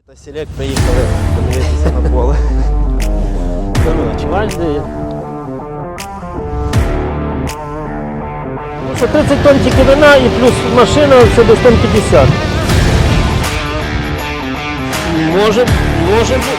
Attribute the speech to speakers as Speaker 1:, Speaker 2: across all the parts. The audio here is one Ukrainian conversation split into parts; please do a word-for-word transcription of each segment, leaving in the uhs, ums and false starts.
Speaker 1: Еліта Селект приїхали подивитися на поле. Коротше,
Speaker 2: Важливо. Це тридцять тонн тільки вина і плюс машина, це десь тонн п'ятдесят. Може, може бути.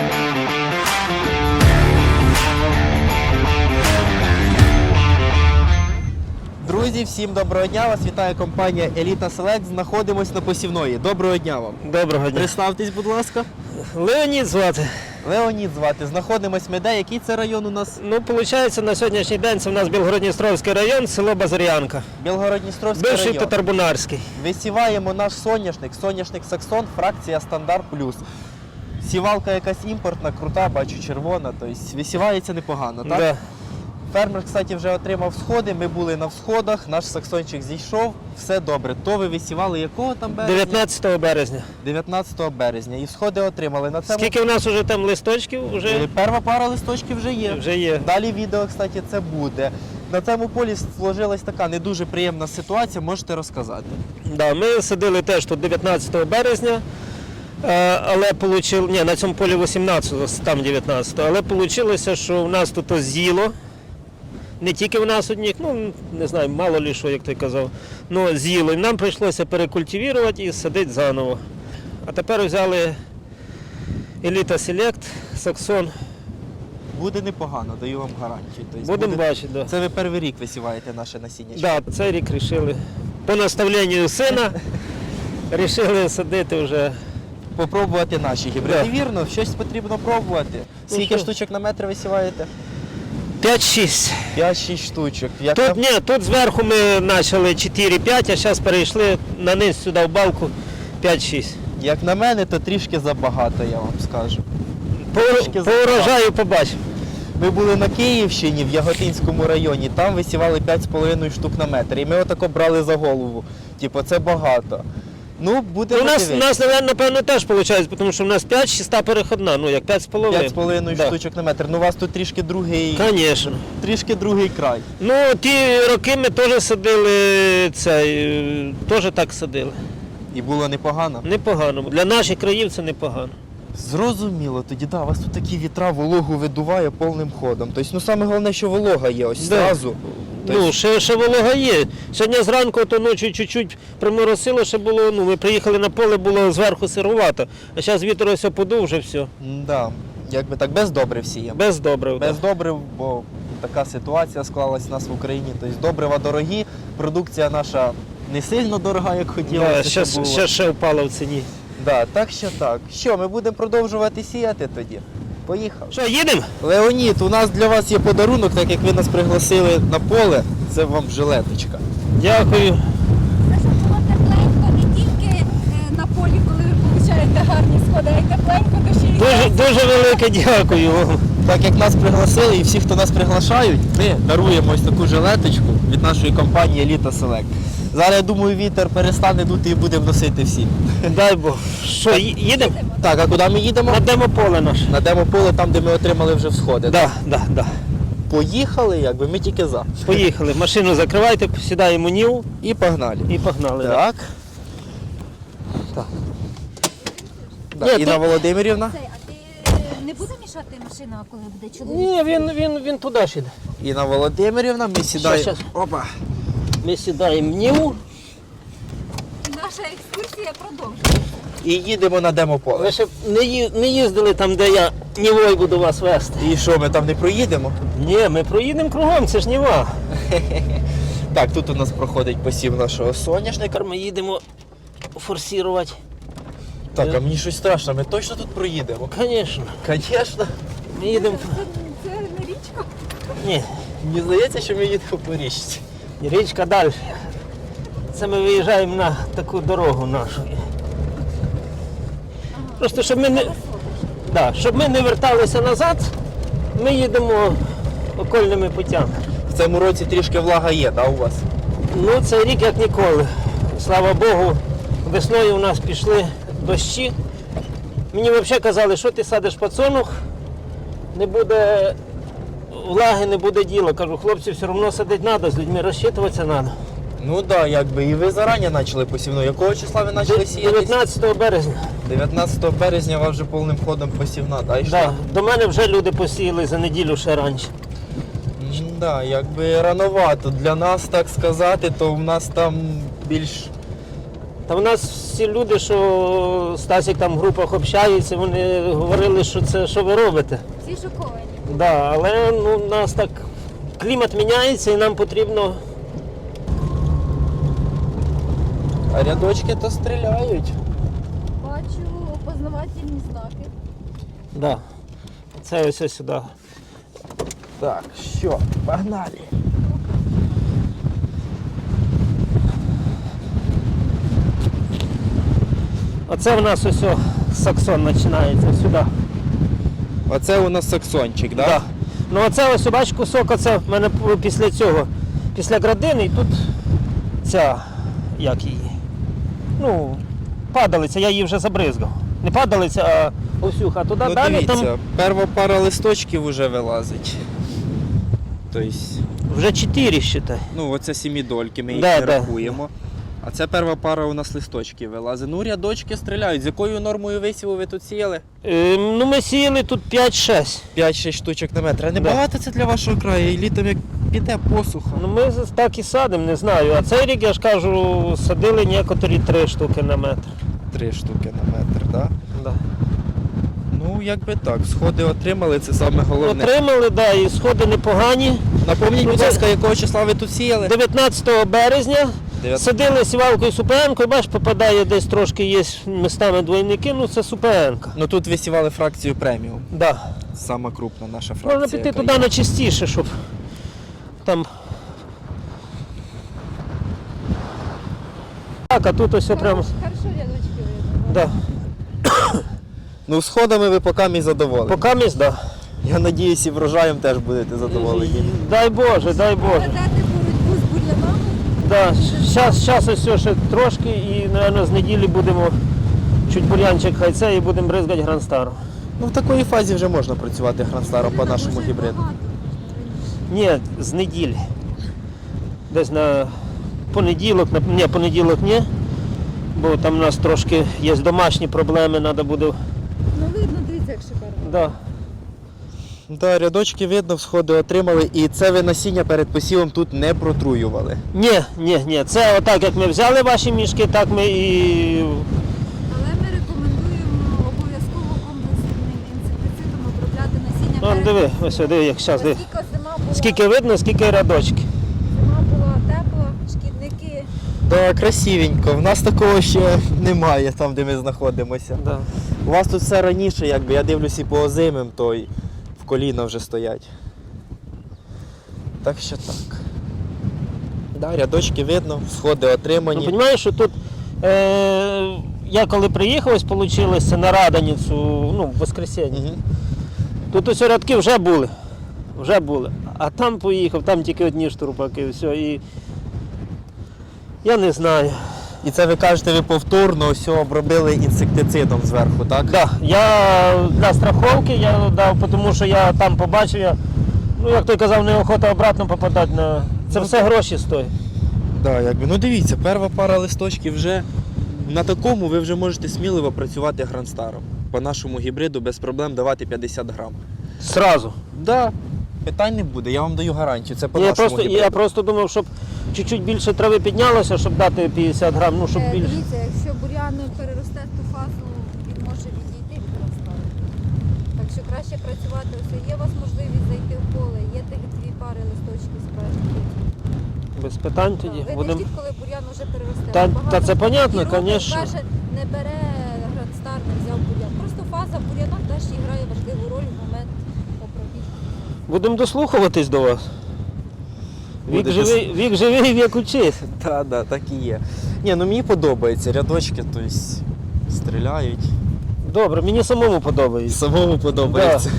Speaker 1: друзі, всім доброго дня! Вас вітає компанія Еліта Селект. Знаходимось на посівної. Доброго дня вам!
Speaker 2: Доброго дня.
Speaker 1: Представтесь, будь ласка.
Speaker 2: Леонід звати.
Speaker 1: Леонід звати. Знаходимось ми де? Який це район у нас?
Speaker 2: Ну, виходить, на сьогоднішній день це у нас Білгород-Дністровський район, село Базар'янка.
Speaker 1: Білгород-Дністровський
Speaker 2: Бивший
Speaker 1: район.
Speaker 2: Татарбунарський.
Speaker 1: Висіваємо наш соняшник, соняшник Саксон, фракція Стандарт Плюс. Сівалка якась імпортна, крута, бачу, червона, тобто висівається непогано, так?
Speaker 2: Да.
Speaker 1: Фермер, кстати, вже отримав сходи, ми були на всходах, наш саксончик зійшов, все добре. То ви висівали якого там березня?
Speaker 2: дев'ятнадцятого березня.
Speaker 1: дев'ятнадцятого березня. І всходи отримали. На цьому...
Speaker 2: Скільки в нас вже там листочків?
Speaker 1: Е,
Speaker 2: Вже,
Speaker 1: Перша пара листочків вже є.
Speaker 2: вже є.
Speaker 1: Далі відео, кстати, це буде. На цьому полі сложилась така не дуже приємна ситуація, можете розказати.
Speaker 2: Да, ми садили теж тут дев'ятнадцятого березня, е, але получил... Ні, на цьому полі вісімнадцятого, там дев'ятнадцятого, але вийшло, що в нас тут з'їло. Не тільки в нас одних, ну не знаю, мало ли що, як ти казав, ну з'їло. І нам прийшлося перекультивувати і садити заново. А тепер взяли Еліта Селект, Саксон.
Speaker 1: Буде непогано, даю вам гарантію. Тобто
Speaker 2: Будемо
Speaker 1: буде...
Speaker 2: бачити. Да.
Speaker 1: Це ви перший рік висіваєте наше насіння?
Speaker 2: Да, цей рік вирішили. По наставленню сина вирішили садити вже.
Speaker 1: Попробувати наші гібриди.
Speaker 2: Да.
Speaker 1: Вірно, щось потрібно пробувати.
Speaker 2: Ну,
Speaker 1: Скільки
Speaker 2: що?
Speaker 1: штучок на метр висіваєте?
Speaker 2: п'ять-шість.
Speaker 1: п'ять-шість штучок. Як
Speaker 2: Тут,
Speaker 1: там?
Speaker 2: ні, тут зверху ми почали чотири-п'ять, а зараз перейшли на низ сюди в балку п'ять-шість.
Speaker 1: Як на мене, то трішки забагато, я вам скажу.
Speaker 2: По,
Speaker 1: Трішки
Speaker 2: по урожаю побачимо.
Speaker 1: Ми були на Київщині, в Яготинському районі, там висівали п'ять з половиною штук на метр. І ми отако брали за голову. Типу, це багато. Ну, буде
Speaker 2: У нас, у нас, напевно, теж виходить, тому що у нас п'ять-шіста переходна, ну як п'ять з половиною.
Speaker 1: п'ять з половиною
Speaker 2: Да.
Speaker 1: штучок на метр. Ну, у вас тут трішки другий,
Speaker 2: Звісно.
Speaker 1: трішки другий край.
Speaker 2: Ну, ті роки ми теж садили цей, е, теж так садили.
Speaker 1: І було непогано.
Speaker 2: Непогано. Для наших країв це непогано.
Speaker 1: Зрозуміло, тоді да, у вас тут такі вітра, вологу видуває повним ходом. Тобто, ну саме головне, що волога є, ось
Speaker 2: Да.
Speaker 1: зразу. Тобто,
Speaker 2: Ну, ще, ще волога є. Сьогодні зранку, то ночі чуть-чуть приморосило, ще було, ну, ми приїхали на поле, було зверху сирувато. А зараз вітер ось подув, вже все.
Speaker 1: да, якби так, без добрив сіємо.
Speaker 2: Без добрив.
Speaker 1: Без
Speaker 2: да.
Speaker 1: добрив, бо така ситуація склалась у нас в Україні. Тобто добрива дорогі, продукція наша не сильно дорога, як хотілося.
Speaker 2: Да,
Speaker 1: щоб
Speaker 2: щас,
Speaker 1: було.
Speaker 2: ще, ще впало в ціні.
Speaker 1: Да, так що так. Що, ми будемо продовжувати сіяти тоді? Поїхали.
Speaker 2: Що, їдемо?
Speaker 1: Леонід, у нас для вас є подарунок, так як ви нас пригласили на поле. Це вам жилеточка.
Speaker 2: Дякую.
Speaker 3: Це щоб було тепленько не тільки е, на полі, коли ви получаєте гарні сходи, а й тепленько, то ще й
Speaker 2: Дуже, дуже велике дякую вам.
Speaker 1: Так як нас пригласили і всі, хто нас приглашають, ми даруємо ось таку жилеточку від нашої компанії Еліта Селект. Зараз, я думаю, вітер перестане дути і будемо носити всі.
Speaker 2: Дай Бог. Що, ї- їдемо?
Speaker 1: Так, а куди ми їдемо?
Speaker 2: На демополе наше.
Speaker 1: На демополе, там, де ми отримали вже всходи.
Speaker 2: Да, да, да.
Speaker 1: Поїхали, якби, ми тільки за.
Speaker 2: Поїхали. Машину закривайте, сідаємо в Ніву
Speaker 1: І погнали.
Speaker 2: і погнали. да.
Speaker 1: Так. Так. Да,
Speaker 2: Ні,
Speaker 1: Інна
Speaker 2: тут-
Speaker 1: Володимирівна.
Speaker 3: Цей, а ти е, не буде мішати машина, коли буде чоловік?
Speaker 2: Ні, він, він, він туди ж іде.
Speaker 1: Інна Володимирівна, ми сідаємо.
Speaker 2: щас.
Speaker 1: Опа.
Speaker 2: Ми сідаємо в Ніву.
Speaker 3: Наша екскурсія продовжується.
Speaker 1: І їдемо на демополе.
Speaker 2: Ви ще не, ї- не їздили там, де я Нівою буду вас вести.
Speaker 1: І що, ми там не проїдемо?
Speaker 2: Ні, ми проїдемо кругом, це ж Ніва.
Speaker 1: Так, тут у нас проходить посів нашого соняшника.
Speaker 2: Тепер ми їдемо форсувати.
Speaker 1: Так, а мені щось страшно, ми точно тут проїдемо?
Speaker 2: Звісно.
Speaker 1: Звісно.
Speaker 2: Ми їдемо.
Speaker 3: Це, це не річка.
Speaker 2: Ні,
Speaker 1: Мені здається, що ми їдемо по річці.
Speaker 2: річка далі. Це ми виїжджаємо на таку дорогу нашу. Просто щоб ми не, да, щоб ми не верталися назад, ми їдемо окольними путями.
Speaker 1: В цьому році трішки влага є, да, у вас?
Speaker 2: Ну, цей рік як ніколи. Слава Богу, весною у нас пішли дощі. Мені взагалі казали, що ти садиш пацанух, не буде влаги, не буде діла. Кажу, хлопці, все одно садити треба, з людьми розчитуватися треба.
Speaker 1: Ну так, да, якби і ви зарані почали посівну. Якого числа ви почали сіяти?
Speaker 2: дев'ятнадцятого березня.
Speaker 1: дев'ятнадцятого березня у вас вже повним ходом посівна, да, йшла?
Speaker 2: Да. До мене вже люди посіяли за неділю ще раніше.
Speaker 1: Так, да, якби рановато. Для нас, так сказати, то в нас там більш...
Speaker 2: Та в нас всі люди, що Стасік там в групах общаються, вони говорили, що це що ви робите.
Speaker 3: Всі шоковані.
Speaker 2: Да, але ну, у нас так клімат міняється і нам потрібно.
Speaker 1: А рядочки то стріляють.
Speaker 3: Бачу опознавательні знаки.
Speaker 2: Да. Це ось ось сюди.
Speaker 1: Так, що, погнали.
Speaker 2: Оце в нас ось о, саксон починається сюди.
Speaker 1: Оце у нас саксончик, да?
Speaker 2: Да. Ну оце ось бач кусок, оце в мене після цього, після градини, і тут ця, як її, ну, падалиця, я її вже забризгав. Не падалиця, а овсюха. Туди
Speaker 1: Ну
Speaker 2: далі
Speaker 1: дивіться,
Speaker 2: там
Speaker 1: перша пара листочків вже вилазить. Тобто,
Speaker 2: вже чотири, считай.
Speaker 1: ну оце сімідольки, ми їх
Speaker 2: Да,
Speaker 1: не
Speaker 2: да.
Speaker 1: рахуємо. А це перша пара у нас листочків вилазить. Ну, рядочки стріляють. З якою нормою висіву ви тут сіяли?
Speaker 2: Е, ну ми сіяли тут п'ять-шесть.
Speaker 1: п'ять-шість штучок на метр. А не
Speaker 2: Да.
Speaker 1: багато це для вашого краю? І літом як піде посуха.
Speaker 2: Ну ми з- так і садимо, не знаю. А цей рік, я ж кажу, садили некоторі три штуки на метр.
Speaker 1: Три штуки на метр, так? Да?
Speaker 2: Да.
Speaker 1: Ну, якби так. Сходи отримали, це саме головне.
Speaker 2: Отримали, да, і сходи непогані.
Speaker 1: Напомніть,
Speaker 2: Ну,
Speaker 1: будь
Speaker 2: це-
Speaker 1: ласка, якого числа ви тут сіяли?
Speaker 2: дев'ятнадцятого березня
Speaker 1: Дев'ят-
Speaker 2: садили сівалкою супенкою, бач, попадає десь трошки, є містами двойники, ну це супенка.
Speaker 1: Ну тут ви сівали фракцію преміум.
Speaker 2: Да.
Speaker 1: Сама крупна наша фракція.
Speaker 2: Можна піти
Speaker 1: яка
Speaker 2: туди
Speaker 1: є.
Speaker 2: на чистіше, щоб там. Так, а тут ось прямо.
Speaker 3: Хорошо рядочки видно.
Speaker 2: Да.
Speaker 1: Ну, сходами ви поки мій задоволені.
Speaker 2: Поки міст, да.
Speaker 1: Я надіюсь, і врожаєм теж будете задоволені.
Speaker 2: Дай Боже, дай Боже.
Speaker 3: Ведете боротьбу з бур'янами.
Speaker 2: Да. Щас, щас ось все ще трошки і, мабуть, з неділі будемо чуть бур'янчик хай це і будемо бризгати гранстаром.
Speaker 1: Ну, в такій фазі вже можна працювати гранстаром по нашому
Speaker 3: Дуже
Speaker 1: гібриду.
Speaker 3: багато.
Speaker 2: Ні, з неділі. Десь на понеділок, на ні, понеділок ні. Бо там у нас трошки є домашні проблеми, треба буде.
Speaker 3: Ну видно, дивіться, як шикарно.
Speaker 2: Да.
Speaker 1: Да, рядочки видно, всходи отримали, і це ви насіння перед посівом тут не протруювали.
Speaker 2: Ні, ні, ні. Це отак, як ми взяли ваші мішки, так ми і.
Speaker 3: Але ми рекомендуємо обов'язково комплексним інсектицидом обробляти насіння.
Speaker 2: Вон,
Speaker 3: перед
Speaker 2: диви,
Speaker 3: посівом.
Speaker 2: ось диви, як зараз диви.
Speaker 3: Оскільки зима була,
Speaker 2: Скільки видно, скільки рядочки.
Speaker 3: зима була тепла, шкідники.
Speaker 1: Да, красивенько. В нас такого ще немає там, де ми знаходимося.
Speaker 2: Да.
Speaker 1: У вас тут все раніше, якби я дивлюсь і по озимим, то й в коліна вже стоять. Так що так. Да, рядочки видно, сходи
Speaker 2: Ну,
Speaker 1: отримані.
Speaker 2: розумієш, що тут е, я коли приїхав, ось вийшло на Радоницю, ну, в воскресенье.
Speaker 1: Угу.
Speaker 2: Тут ось рядки вже були. Вже були. А там поїхав, там тільки одні штурпаки, все. І я не знаю.
Speaker 1: І це ви кажете, ви повторно все обробили інсектицидом зверху, так?
Speaker 2: Да, я для страховки я дав, тому що я там побачив, я, ну як той казав, неохота обратно попадати на. Це все гроші стоїть.
Speaker 1: Да, якби. Ну дивіться, перша пара листочків вже на такому ви вже можете сміливо працювати гранстаром. По нашому гібриду без проблем давати п'ятдесят грам.
Speaker 2: Сразу.
Speaker 1: Да, питань не буде, я вам даю гарантію. Це по
Speaker 2: Я
Speaker 1: нашому
Speaker 2: просто,
Speaker 1: гібриду.
Speaker 2: я просто думав, щоб чуть-чуть більше трави піднялося, щоб дати п'ятдесят грам, ну щоб
Speaker 3: Е,
Speaker 2: більше.
Speaker 3: Дивіться, якщо бур'ян переросте ту фазу, він може відійти від розстави. Так що краще працювати. Ось є у вас можливість зайти в поле, є тих дві пари листочків спереду.
Speaker 2: Без питань тоді.
Speaker 3: Ви
Speaker 2: Будем...
Speaker 3: не ждіть, коли бур'ян вже переросте.
Speaker 2: Та-
Speaker 3: Багато
Speaker 2: та це
Speaker 3: хто
Speaker 2: понятно,
Speaker 3: такі робить,
Speaker 2: конечно.
Speaker 3: каже, не бере грандстар, не взяв бур'ян. Просто фаза бур'яна теж грає важливу роль в момент обробітки.
Speaker 2: Будемо дослухуватись до вас. Вік
Speaker 1: Будете
Speaker 2: живий, вік живий, вік учись.
Speaker 1: Так, да, так і є. Ні, ну мені подобається, рядочки, тобто стріляють.
Speaker 2: Добре, мені самому подобається.
Speaker 1: Самому подобається.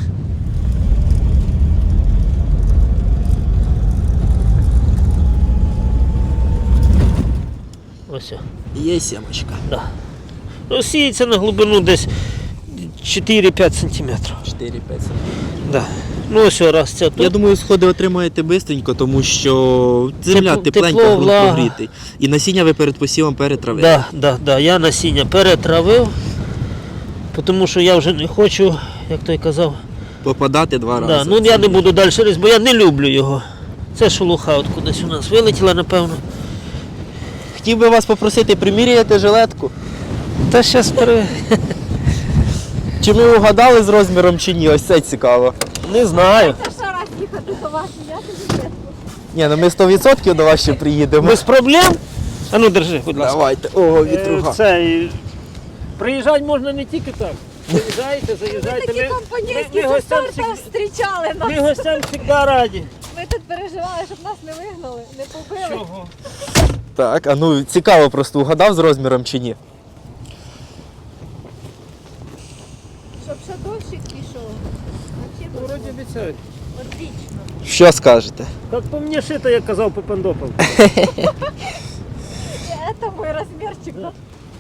Speaker 2: Ось.
Speaker 1: Є сімочка.
Speaker 2: Да. Ну, сіється на глибину десь чотири-п'ять сантиметрів.
Speaker 1: чотири-п'ять.
Speaker 2: Да. Ну ось раз це тут.
Speaker 1: Я думаю, сходи отримаєте бистренько, тому що земля
Speaker 2: Тепло-
Speaker 1: тепленька,
Speaker 2: тепло,
Speaker 1: ґрунт
Speaker 2: влага.
Speaker 1: прогрітий. І насіння ви перед посівом перетравили.
Speaker 2: Да, да, да. Я насіння перетравив, тому що я вже не хочу, як той казав.
Speaker 1: Попадати два рази.
Speaker 2: Да, ну я не буду далі різати, бо я не люблю його. Це шелуха от кудись у нас вилетіла, напевно.
Speaker 1: Хотів би вас попросити приміряти жилетку.
Speaker 2: Та зараз пере...
Speaker 1: Чи ми угадали з розміром чи ні? Ось це цікаво.
Speaker 2: не знаю.
Speaker 3: Це ще раз їхати до вас, я тобі чесно.
Speaker 1: Ні, ну ми сто відсотків до вас ще приїдемо.
Speaker 2: Без проблем. А ну держи, будь ласка.
Speaker 1: Давайте. О,
Speaker 2: Е,
Speaker 1: вітруга.
Speaker 2: Це, і приїжджати можна не тільки так. Заїжджайте, заїжджайте.
Speaker 3: Такі
Speaker 2: Ми,
Speaker 3: компанійські
Speaker 2: ми, ми,
Speaker 3: зі
Speaker 2: гостям
Speaker 3: старту
Speaker 2: всіх-
Speaker 3: зустрічали нас.
Speaker 2: ми гостям завжди раді.
Speaker 3: Ми тут переживали, щоб нас не вигнали, не побили.
Speaker 2: Чого?
Speaker 1: Так, а ну цікаво просто угадав з розміром чи ні?
Speaker 3: Щоб ще дощик пішов.
Speaker 2: Ну,
Speaker 3: Вообще
Speaker 2: вроді обіцяють.
Speaker 3: отлично.
Speaker 1: Що скажете?
Speaker 2: Як по мені шито, як казав Попендопов.
Speaker 3: Це мій розмірчик. Да.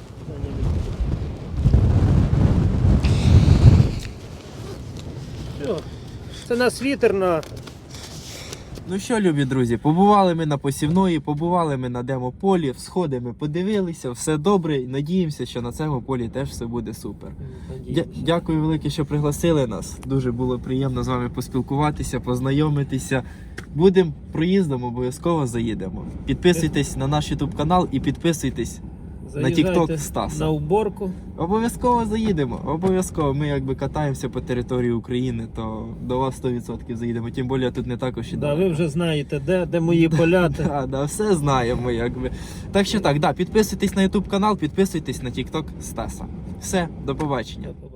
Speaker 2: Все. Це нас вітер на...
Speaker 1: Ну що, любі друзі, побували ми на посівної, побували ми на демополі, всходи ми подивилися, все добре, і надіємося, що на цьому полі теж все буде супер. Дя- Дякую велике, що пригласили нас. Дуже було приємно з вами поспілкуватися, познайомитися. Будемо проїздом, обов'язково заїдемо. Підписуйтесь на наш YouTube канал і підписуйтесь.
Speaker 2: Заїжджайте
Speaker 1: TikTok Стаса.
Speaker 2: на уборку.
Speaker 1: Обов'язково заїдемо. Обов'язково. Ми якби катаємося по території України, то до вас сто відсотків заїдемо. Тим більше тут не також і
Speaker 2: Да,
Speaker 1: далеко.
Speaker 2: ви вже знаєте, де, де мої поля. де-
Speaker 1: Да, да, все знаємо, якби. Так що так, да, підписуйтесь на YouTube канал, підписуйтесь на TikTok Стаса. Все, до побачення.